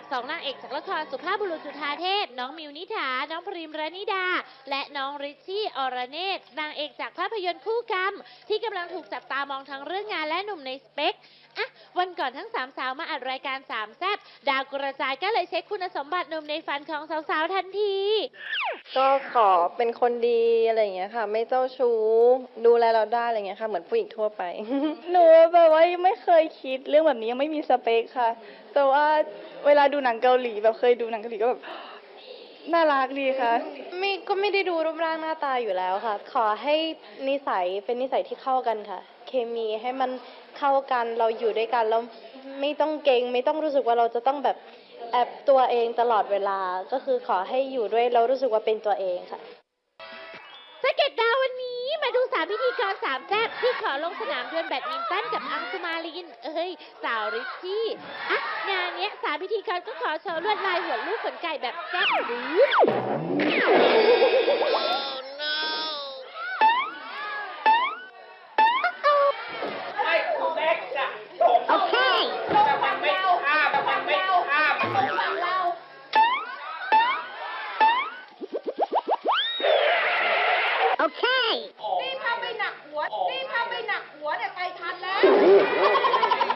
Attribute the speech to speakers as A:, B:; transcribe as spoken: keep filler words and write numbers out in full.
A: สองนางเอกจากละครสุภาพบุรุษจุฑาเทพน้องมิวนิถาน้องพริมรณิดา และน้องริชชี่อรเนตรนางเอกจากภาพยนตร์คู่กรรมที่กำลังถูกจับตามองทั้งเรื่องงานและหนุ่มในสเปคอ่ะวันก่อนทั้งสามสาวมาอัดรายการสามแซบดาวกระจายก็เลยเช็คคุณสมบัติหนุ่มในฝันของสาวๆทันที
B: ก็ขอเป็นคนดีอะไรอย่างเงี้ยค่ะ ไม่เจ้าชู้ดูแลเราได้อะไรเงี้ยค่ะ เหมือนผู้หญิงทั่วไป หนูแบบว่ายังไม่เคยคิดเรื่องแบบนี้ยังไม่มีสเปคค่ะ แต่ว่าเวลาดูหนังเกาหลีแบบเคยดูหนังเกาหลีก็แบบ น่ารักดีค่ะไม่ก็ไม่ได้ดูรูปร่างหน้าตาอยู่แล้วค่ะ ขอให้นิสัยเป็นนิสัยที่เข้ากันค่ะ เคมีให้มันเข้ากันเราอยู่ด้วยกันแล้วไม่ต้องเกรงไม่ต้องรู้สึกว่าเราจะต้องแบบแอบตัวเองตลอดเวลาก็คือขอให้อยู่ด้วยเรารู้สึกว่าเป็นตัวเองค่ะ
A: สเก็ตดาววันนี้มาดูสามพิธีกรสามแซ่บที่ขอลงสนามดวลแบดมินตันกับอังสุมาลิน เอ้ย สาวริชชี่อ่ะงานเนี้ยสามพิธีกรก็ขอโชว์ลวดลายหัวลูกขนไก่แบบแซ่บหรือ
C: ไม่เล็กอะโอเคแต่มันไม่ข้ามมันไม่ข้ามมันต้องฝั่งเราโอเคนี่ถ้าไม่หนักหัวนี่ถ้าไม่หนักหัวเนี่ยไปทันแล้ว